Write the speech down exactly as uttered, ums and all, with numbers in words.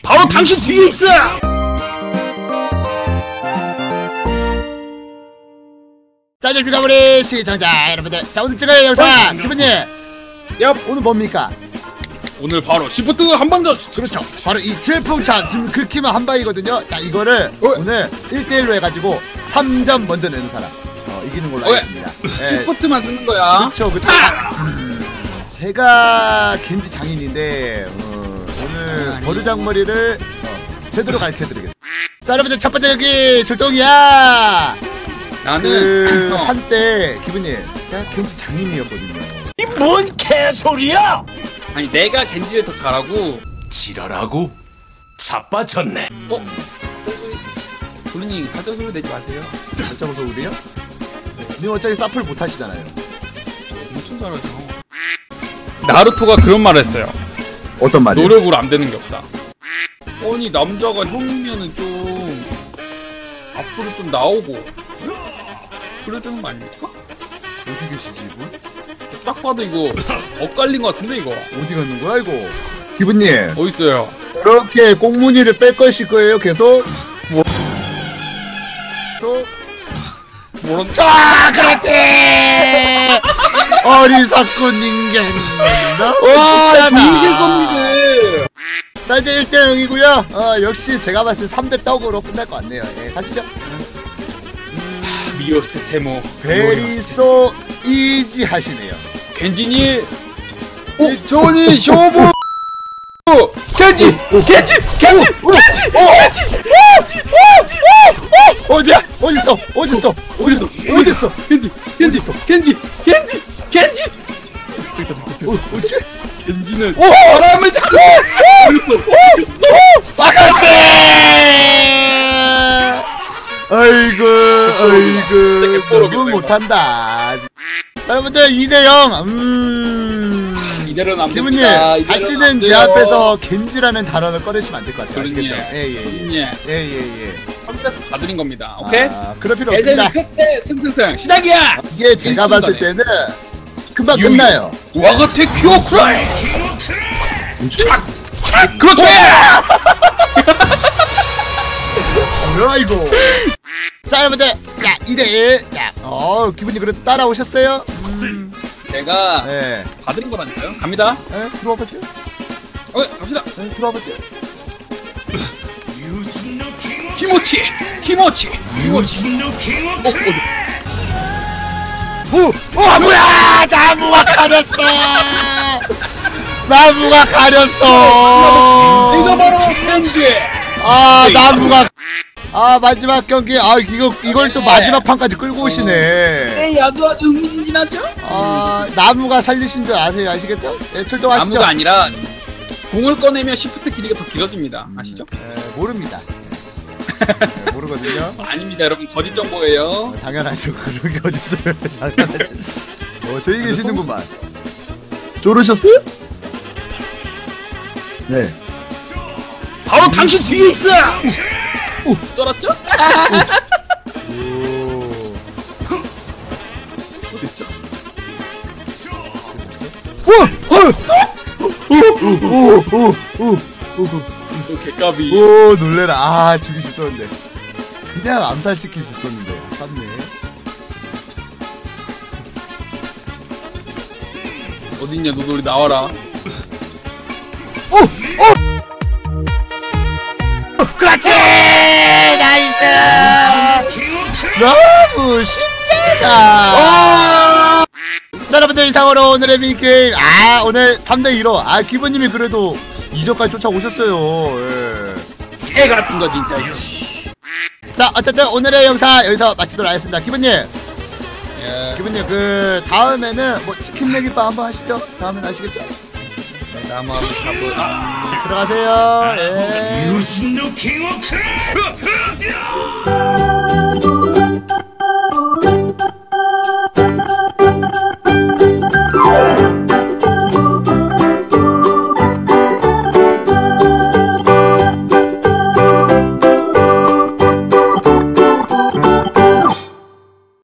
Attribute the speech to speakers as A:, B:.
A: 바로 당신 뒤에 있어!
B: 자, 이제 비가버리 시청자 여러분들, 자 오늘 찍어요 영상 기분님.
A: 얍.
B: 오늘 뭡니까?
A: 오늘 바로 시프트 한방전.
B: 그렇죠, 바로 이 질풍찬 지금 긁히면 한방이거든요. 자 이거를 어? 오늘 일 대 일로 해가지고 삼 점 먼저 내는 사람 어, 이기는 걸로 하겠습니다. 네.
A: 시프트만 쓰는 거야.
B: 그렇죠, 그렇죠. 아, 음, 제가 겐지 장인인데 어, 오늘
A: 아니.
B: 버르장머리를 어, 제대로 가르쳐드리겠습니다. 자 여러분들, 첫 번째 여기 출동이야.
A: 나는
B: 그
A: 어.
B: 한때 기분님 제가 겐지 장인이었거든요.
C: 이 뭔 개소리야!
A: 아니 내가 겐지를 더 잘하고.
C: 지랄하고 자빠졌네.
A: 어? 도리님 가짜 소리 내지 마세요.
B: 발자국 소리요? 님 어차피 사플 못 하시잖아요.
A: 엄청 잘하죠. 나루토가 그런 말을 했어요.
B: 어떤 말이요?
A: 노력으로 안 되는 게 없다. 아니 남자가 형이면은 좀 앞으로 좀 나오고 그래야 되는 거 아닙니까?
B: 어디 계시지 이분?
A: 딱 봐도 이거 엇갈린 거 같은데 이거.
B: 어디 가는 거야 이거? 기분님
A: 어딨어요?
B: 그렇게 꽁무니를 뺄 것일 거예요 계속?
A: 뭐?
B: 또?
A: 뭐런?
B: 아 그렇지! 어리석군 인간입니다.
A: 와 이게 썸니들.
B: 자 이제 일 대 영이고요 어 역시 제가 봤을 때 삼 대 떡으로 끝날 것 같네요. 예 가시죠.
A: 미오스테 테모
B: 베리소 이지 하시네요.
A: 겐지니 오 조니 쇼부 겐지 겐지 겐지 겐지 겐지 겐지
B: 어디야? 어딨어? 어딨어? 어딨어? 어딨어?
A: 겐지 겐지 겐지 겐지 겐지 저기다 저기다
B: 어, 어디?
A: 겐지는
B: 오!
A: 바람을 잡고
B: 아그렇지! 아이고 아이고 너무 못한다. 자, 여러분들 이 대 영. 음
A: 이대로는 안
B: 기분님
A: 됩니다.
B: 다시는 제 앞에서 겐지라는 단어를 꺼내시면 안 될 것 같아요. 아시겠죠? 예예예 예예예.
A: 컴퓨터에서 봐드린 겁니다. 오케이?
B: 아, 그럴 필요 없습니다.
A: 에제는 팩트 승승승 시작이야.
B: 이게 제가 봤을 때는 금방
A: 유유.
B: 끝나요.
A: 와가테 큐어크라이. 착! 착! 그렇지!
B: 뭐야 이거? 자 여러분들, 자 이 대 일. 자, 어 기분이 그래도 따라오셨어요? 음,
A: 제가
B: 네.
A: 봐드린 거라니까요. 갑니다.
B: 네, 들어와 보세요.
A: 어, 갑시다.
B: 네, 들어와 보세요.
A: 키모치! 키모치! 키모치! 어, 어디?
B: 오! 어 뭐야! 나무가 가렸어! 나무가 가렸어!
A: 이거 바로 겐지!
B: 아 나무가 아 마지막 경기 아 이거 이걸 또
A: 네.
B: 마지막 판까지 끌고 오시네.
A: 네, 아주 아주 흥미진진하죠?
B: 아 나무가 살리신 줄 아세요? 아시겠죠? 네, 출동하시죠.
A: 나무가 아니라 궁을 꺼내면 시프트 길이가 더 길어집니다. 아시죠?
B: 네, 모릅니다. 네, 모르거든요.
A: 아닙니다, 여러분. 거짓 정보예요.
B: 어, 당연하죠. 그런 게 어딨어요. 당연하죠. 어, 저기 계시는구만. 졸으셨어요? 네.
A: 바로 당신 뒤에 있어! 오! 쩔었죠?
B: 오.
A: 어딨죠?
B: 오오오오오오
A: 개까비.
B: 오 놀래라. 아 죽일 수 있었는데 그냥 암살시킬 수 있었는데 아깝네.
A: 어딨냐, 노돌이 나와라.
B: 오! 오! 그렇지! 나이스! 너무 쉽잖아. 자 여러분들, 이상으로 오늘의 미니게임 아 오늘 삼 대 이로 아 기분님이 그래도 이 점까지 쫓아오셨어요. 예.
A: 개 같은 거 진짜.
B: 자 어쨌든 오늘의 영상 여기서 마치도록 하겠습니다. 기분님
A: 예.
B: 기분님 그 다음에는 뭐 치킨 내기빵 한번 하시죠. 다음엔 아시겠죠?
A: 나무 한번 잡고. 아.
B: 들어가세요. 예.
C: 유진노 킹워크!